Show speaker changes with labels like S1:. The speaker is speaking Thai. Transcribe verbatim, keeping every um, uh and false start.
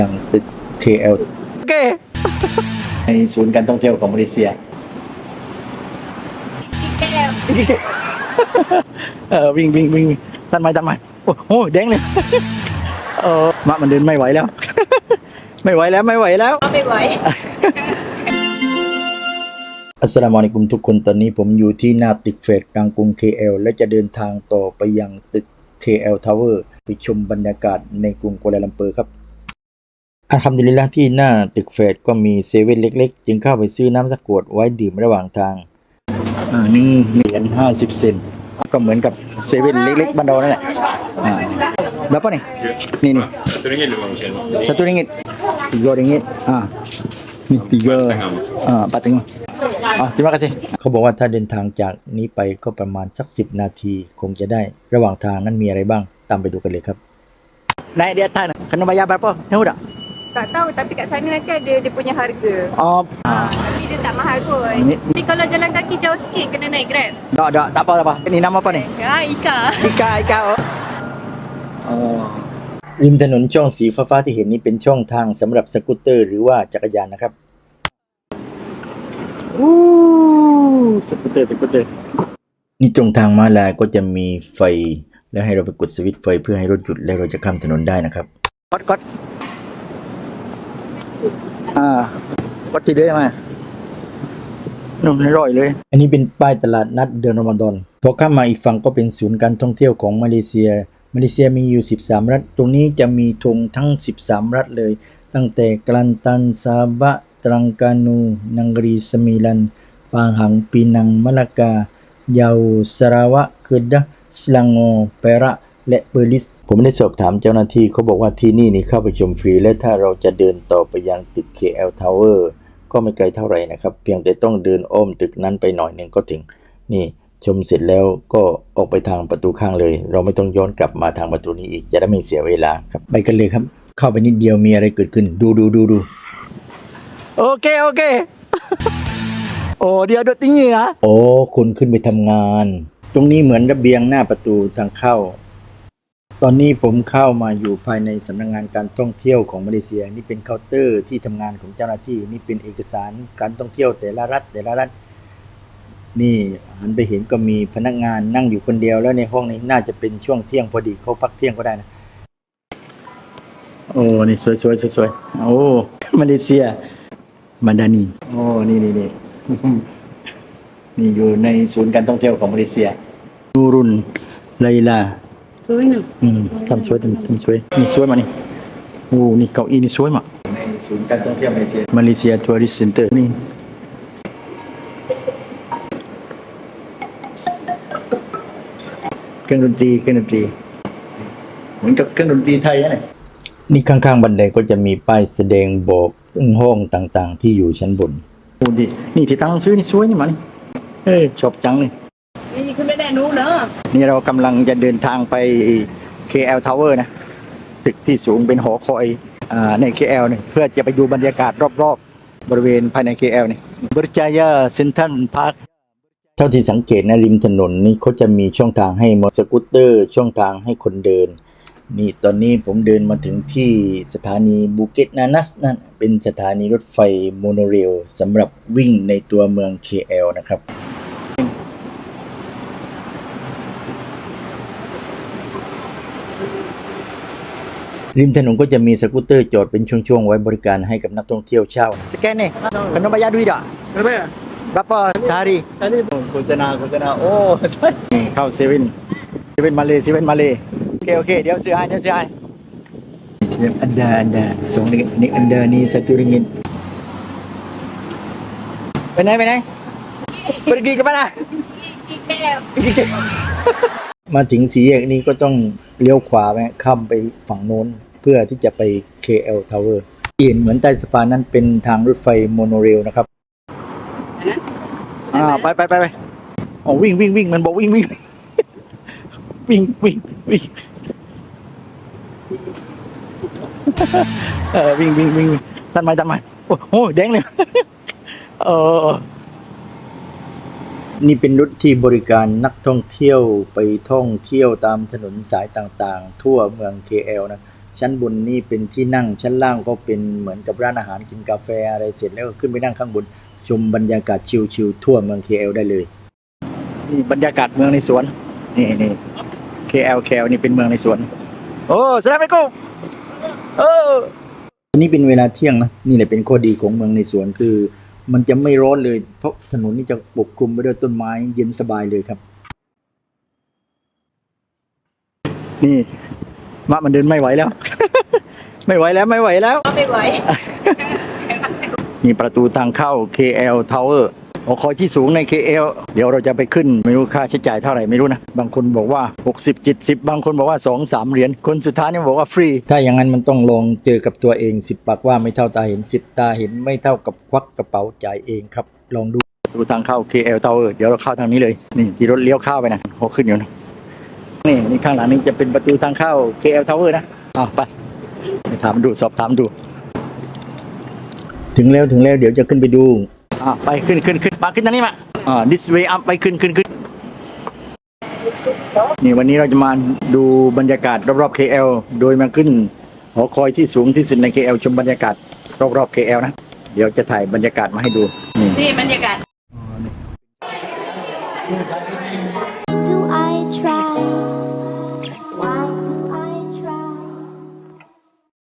S1: ยังตึก เค แอล
S2: โอเค
S1: ในศูนย์การท่องเที่ยวของมาเลเซียเออวิ่งวิ่งวิ่งทันไหมทันไหมโอ้โหแดงเลยเออมามันเดินไม่ไหวแล้ว ไม่ไหวแล้วไม่ไหวแล้ว
S3: ไม่ไหว
S1: อัสสลามุอะลัยกุมทุกคนตอนนี้ผมอยู่ที่หน้าตึกเฟดกลางกรุง เค แอล และจะเดินทางต่อไปยังตึก เค แอล Tower ไปชมบรรยากาศในกรุงกัวลาลัมเปอร์ครับอัลฮัมดุลิลละห์ที่หน้าตึกเฟดก็มีเซเว่นเล็กๆจึงเข้าไปซื้อน้ำสักขวดไว้ดื่มระหว่างทางอ่านี่เหรียญห้าสิบเซนต์ก็เหมือนกับเซเว่นเล็กๆบ้านเรานั่นแหละอ่าberapa nihนี่นี่
S4: satu ringgit lima macam
S1: satu ringgit tiga ringgit ah ni tiga ah empat tengah ah terima kasih เขาบอกว่าถ้าเดินทางจากนี้ไปก็ประมาณสักสิบนาทีคงจะได้ระหว่างทางนั้นมีอะไรบ้างตามไปดูกันเลยครับ naik di atas kena bayar berapa tahu tak
S3: Tak tahu tapi kat sana nanti ada dia punya harga.
S1: oh
S3: Ha, tapi dia tak mahal pun.
S1: Ni-
S3: Tapi kalau jalan kaki jauh sikit kena naik Grab.
S1: tak tak tak apa tak apa ni nama apa ni
S3: Ha, Ika.
S1: Ika Ika อ๋อริมถนนช่องสีฟ้าๆที่เห็นนี้เป็นช่องทางสำหรับสกูตเตอร์หรือว่าจักรยานนะครับอู้สกูตเตอร์สกูตเตอร์นี่ตรงทางม้าลายก็จะมีไฟแล้วให้เราไปกดสวิตช์ไฟเพื่อให้รถหยุดแล้วเราจะข้ามถนนได้นะครับกดกดอ่ากดทีเดียวมานุ่มอร่อยเลยอันนี้เป็นป้ายตลาดนัดเดือนรอมฎอนพอข้ามมาอีกฝั่งก็เป็นศูนย์การท่องเที่ยวของมาเลเซียมาเลเซียมีอยู่สิบสามรัฐตรงนี้จะมีธงทั้งสิบสามรัฐเลยตั้งแต่กลันตันซาบะตรังกานูนังกรีสมิลันปางหังปีนังมะละกายาวสราวะเคดะสลังโอเประและเปอร์ลิสผมได้สอบถามเจ้าหน้าที่เขาบอกว่าที่นี่นี่เข้าไปชมฟรีและถ้าเราจะเดินต่อไปยังตึก เค แอล Tower ก็ไม่ไกลเท่าไหร่นะครับเพียงแต่ต้องเดินอ้อมตึกนั้นไปหน่อยหนึ่งก็ถึงนี่ชมเสร็จแล้วก็ออกไปทางประตูข้างเลยเราไม่ต้องย้อนกลับมาทางประตูนี้อีกจะได้ไม่เสียเวลาครับไปกันเลยครับเข้าไปนิดเดียวมีอะไรเกิดขึ้นดูดูดูดูโอเคโอเค โอ้เดี๋ยวดูติ้งเหรอโอ้คุณขึ้นไปทำงานตรงนี้เหมือนระเบียงหน้าประตูทางเข้าตอนนี้ผมเข้ามาอยู่ภายในสำนักงานการท่องเที่ยวของมาเลเซียนี่เป็นเคาน์เตอร์ที่ทำงานของเจ้าหน้าที่นี่เป็นเอกสารการท่องเที่ยวแต่ละรัฐแต่ละรัฐนี่หันไปเห็นก็มีพนักงานนั่งอยู่คนเดียวแล้วในห้องนี้น่าจะเป็นช่วงเที่ยงพอดีเขาพักเที่ยงก็ได้นะโอ้นี่สวยสวยสวยสวยโอ้มาเลเซียมาดานีโอ้นี่นี่นี่ นี่อยู่ในศูนย์การท่องเที่ยวของมาเลเซียนูรุนไลลา
S3: สวยนะ
S1: อืมทำสวยทำทำสวยนี่สวยมานี่โอ้นี่เก้าอี้นี่สวยมากในศูนย์การท่องเที่ยวมาเลเซียมาเลเซียทัวริสต์เซ็นเตอร์นี่เครื่องดนตรีเครื่องดนตรีเหมือนกับเครื่องดนตรีไทยนะเนี่ยนี่ข้างๆบันไดก็จะมีป้ายแสดงบอกถึงห้องต่างๆที่อยู่ชั้นบนโอ้ดินี่ที่ตั้งซื้อนี่สวยนี่มานี่เอ้ยชอบจังเลย
S3: นี่คุณไม่ได้รู้เนอะ
S1: นี่เรากำลังจะเดินทางไป เค แอล Tower นะตึกที่สูงเป็นหอคอยอ่าใน เค แอล เนี่ยเพื่อจะไปดูบรรยากาศรอบๆบริเวณภายใน เค แอล เนี่ยบริจายาเซ็นทรัลพาร์คเท่าที่สังเกตนะริมถนนนี่เขาจะมีช่องทางให้มอเตอร์สกูตเตอร์ช่องทางให้คนเดินนี่ตอนนี้ผมเดินมาถึงที่สถานีบูเกตนานัสนั่นเป็นสถานีรถไฟโมโนเรลสำหรับวิ่งในตัวเมือง เค แอล นะครับริมถนนก็จะมีสกูตเตอร์จอดเป็นช่วงๆไว้บริการให้กับนักท่องเที่ยวเช่าสแกนนี่ขนมบายาดุยดะ
S4: berapa ya
S1: berapa sehari
S4: tadi
S1: โฆษณาโฆษณาโอ้ใช่เข้าเซเว่นเซเว่นมาเลยเซเว่นมาเลยโอเคโอเคเดี๋ยวซื้อให้เดี๋ยวซื้อให้เชฟอันดาอันดาสองนี่นี่อันดานี่สตูริงินไปไหนไปไหน pergi ke mana มาถึงสี่แยกนี้ก็ต้องเลี้ยวขวาไปข้ามไปฝั่งโน้นเพื่อที่จะไป เค แอล Tower ที่เห็นเหมือนใต้สะพานนั้นเป็นทางรถไฟโมโนเรลนะครับอ่าไปไปไปไปอ๋อวิ่งวิ่งวิ่งมันบอกวิ่งวิ่งวิ่งวิ่งวิ่งเออวิ่งวิ่งวิ่งทันไหมทันไหมโอ้โหแดงเลยเออนี่เป็นรถที่บริการนักท่องเที่ยวไปท่องเที่ยวตามถนนสายต่างๆทั่วเมือง เค แอล นะชั้นบนนี่เป็นที่นั่งชั้นล่างก็เป็นเหมือนกับร้านอาหารกินกาแฟอะไรเสร็จแล้วก็ขึ้นไปนั่งข้างบนชมบรรยากาศชิลๆทั่วเมือง เค แอล ได้เลยนี่บรรยากาศเมืองในสวนนี่นี่ เค แอล เค แอล นี่เป็นเมืองในสวนโอ้สลามอะลัยกุมเอออันนี้เป็นเวลาเที่ยงนะนี่แหละเป็นข้อดีของเมืองในสวนคือมันจะไม่ร้อนเลยเพราะถนนนี่จะปกคลุมไปด้วยต้นไม้เย็นสบายเลยครับนี่มะมันเดินไม่ไหวแล้ว ไม่ไหวแล้วไม่ไหวแล้ว
S3: ไม่ไหว
S1: นี่ประตูทางเข้า เค แอล Tower หอคอยที่สูงใน เค แอล เดี๋ยวเราจะไปขึ้นไม่รู้ค่าใช้จ่ายเท่าไหร่ไม่รู้นะบางคนบอกว่าหกสิบ เจ็ดสิบบางคนบอกว่าสอง สามเหรียญคนสุดท้ายเนี่ยบอกว่าฟรีถ้าอย่างนั้นมันต้องลองเจอกับตัวเองสิบปากว่าไม่เท่าตาเห็นสิบตาเห็นไม่เท่ากับควักกระเป๋าจ่ายเองครับลองดูประตูทางเข้า เค แอล Tower เดี๋ยวเราเข้าทางนี้เลยนี่ที่รถเลี้ยวเข้าไปนะพอขึ้นอยู่นะนี่นี่ข้างหลังนี้จะเป็นประตูทางเข้า เค แอล Tower นะอ้าวไปไปถามดูสอบถามดูถึงแล้วถึงแล้วเดี๋ยวจะขึ้นไปดูอ่าไปขึ้นขึ้นขึ้นมาขึ้นทางนี้มาอ่า this way up ไปขึ้นขึ้นขึ้นนี่วันนี้เราจะมาดูบรรยากาศรอบๆ เค แอล โดยมาขึ้นหอคอยที่สูงที่สุดใน เค แอล ชมบรรยากาศรอบๆ เค แอล นะเดี๋ยวจะถ่ายบรรยากาศมาให้ดูนี่
S3: นี่บรรยากาศ